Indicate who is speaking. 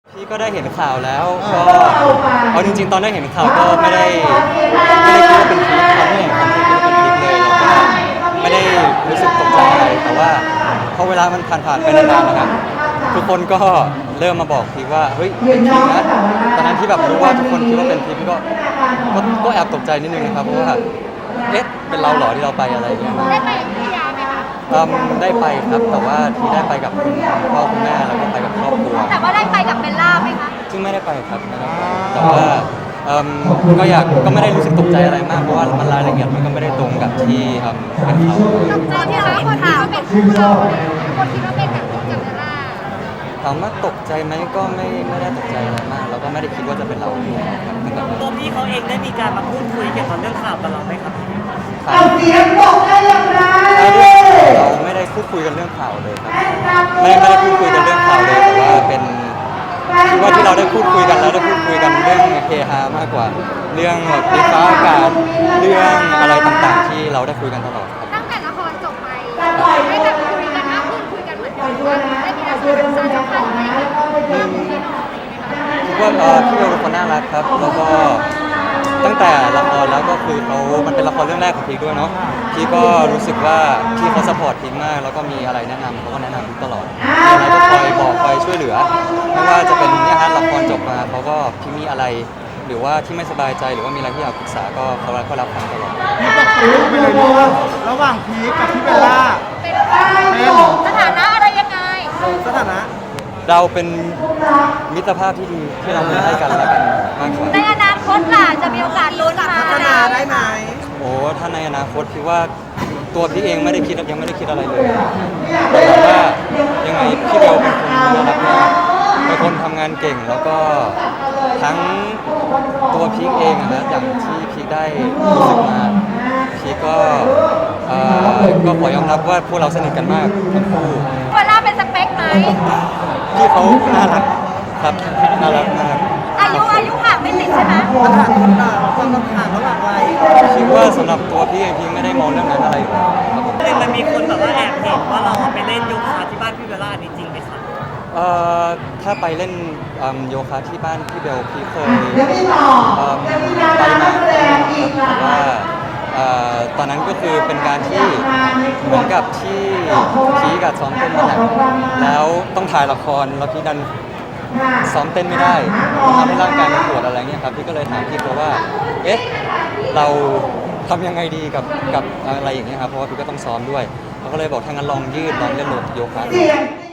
Speaker 1: พี่ก็ได้เห็นข่าวแล้วก็เอาจริงๆตอนได้เห็นข่าวก็ไม่ได้คิดว่าเป็นพีคตอนที่เห็นข่าวไม่ได้คิดว่าเป็นพีคเลยแล้วก็ไม่ได้รู้สึกตกใจอะไรแต่ว่าพอเวลามันผ่านไปนานๆนะครับทุกคนก็เริ่มมาบอกพีคว่าเฮ้ยเป็นพีคนะตอนนั้นที่แบบรู้ว่าทุกคนคิดว่าเป็นพีคก็แอบตกใจนิดนึงนะครับเพราะว่าเอ๊ะเป็นเราเหรอที่เราไปอะไรอย่างเงี้ย
Speaker 2: ได้ไปพัทยาไหมคะ
Speaker 1: ได้ไปครับแต่ว่าที่ได้ไปกับคุณพ่อคุณแม่แล้วก็ไปกับครอบครัว
Speaker 2: แต่ว่าได้ไปกับเบลล่าไหมคะ
Speaker 1: ซึ่งไม่ได้ไปครับไม่ได้ไปแต่ว่าก็ไม่ได้รู้สึกตกใจอะไรมากเพราะว่ามันรายละเอียดมันก็ไม่ได้ตรงกับที่เป็นเขา
Speaker 2: ตอนที่เราเห็นข่าวเป็นคู่เราคนคิดว่าเป็นกับลูกกับเบลล่า
Speaker 1: ถามว่าตกใจไหมก็ไม่ได้ตกใจอะไรมากแล้วก็ไม่ได้คิดว่าจะเป็นเราครับตั้งแต่แร
Speaker 3: ตัว
Speaker 1: ก
Speaker 3: พี่เขาเองได้มีการมาพูดคุยเกี่ยวกับเรื่องข่าวกับเราไหมครับ
Speaker 1: เอาเสียงบอกได้อย่างไรเราไม่ได้พูดคุยกันเรื่องข่าวเลยครับไม่ได้พูดคุยกันเรื่องข่าวเลยแต่ว่าเป็นคิดว่าที่เราได้พูดคุยกันแล้วได้พูดคุยกันเรื่องเฮฮามากกว่า เรื่องดิฟ้าอากาศเรื่องอะไรต่างๆ ที่เราได้คุยกันตลอดครับ
Speaker 2: ตั้งแต่ละครจบไปได้แบบคุยกันมากขึ้นคุยกันเหมือนกันว่าได้มีการสื่อสารสัมพันธ์อะไรกันมากขึ้นไหมคะ
Speaker 1: คิดว่าพี่เบลเป็นคนน่ารักครับแล้วก็ตั้งแต่ละครแล้วก็คือมันเป็นละครเรื่องแรกของพีคด้วยเนาะพีคก็รู้สึกว่าพี่เขาสปอร์ตพีคมากแล้วก็มีอะไรแนะนำเขาก็แนะนำพีคตลอดมีอะไรก็คอยบอกคอยช่วยเหลือไม่ว่าจะเป็นเนี่ยฮะละครจบมาเขาก็พี่มีอะไรหรือว่าที่ไม่สบายใจหรือว่ามีอะไรที่อยากปรึกษาก็เขารับฟังตลอด
Speaker 4: พี่บอกรู้ไปเลยดีว่าระหว่างพีคกับพี่เบลล่า
Speaker 2: เป็น
Speaker 4: เป็น
Speaker 2: สถานะอะไรยังไง
Speaker 4: สถานะ
Speaker 1: เราเป็นมิตรภาพที่ดีที่เรามีให้กันและกันมากกว่า
Speaker 2: ในอนาคตล่ะจะมีโอกาสลุ้นมา
Speaker 4: พัฒนาได้ไหม
Speaker 1: โอ้ถ้าในอนาคตพี่ว่าตัวพี่เองไม่ได้คิดยังไม่ได้คิดอะไรเลยแต่ถามว่ายังไงพี่เบลเป็นคนน่ารักมากเป็นคนทำงานเก่งแล้วก็ทั้งตัวพีคเองนะอย่างที่พีคได้รู้สึกมาพีคก็ขอยอมรับว่าพวกเราสนิทกันมากทั้งคู่
Speaker 2: เบลล่าเป็นสเปคไหม
Speaker 1: พี่เขาน่ารักครับน่ารักมาก
Speaker 2: อายุห่างไม่ติดใช่ไหม
Speaker 4: ปัญหาคนต่างความต้องการระหว่างวัย
Speaker 1: คิดว่าสำหรับตัวพี่เองพี่ไม่ได้มองเรื่องนั้นอะไรอยู่แล้วครับผม
Speaker 3: มันมีคนแบบว่าแอบเห็นว่าเราไปเล่นโยคะที่บ้านพี่เบลล่านี่จริงไหมครับ
Speaker 1: ถ้าไปเล่นโยคะที่บ้านพี่เบลพี่เคยไปมาแต่ว่าตอนนั้นก็คือเป็นการที่เหมือนกับที่พีกับซ้อมเต้นมาแหละแล้วต้องถ่ายละครแล้วพี่ดันซ้อมเต้นไม่ได้ทำให้ร่างกายมันปวดอะไรเงี้ยครับพี่ก็เลยถามพี่เขาว่าเอ๊ะเราทำยังไงดีกับอะไรอย่างเงี้ยครับเพราะว่าพี่ก็ต้องซ้อมด้วยเขาก็เลยบอกถ้างั้นลองยืดลองเล่นโยคะดู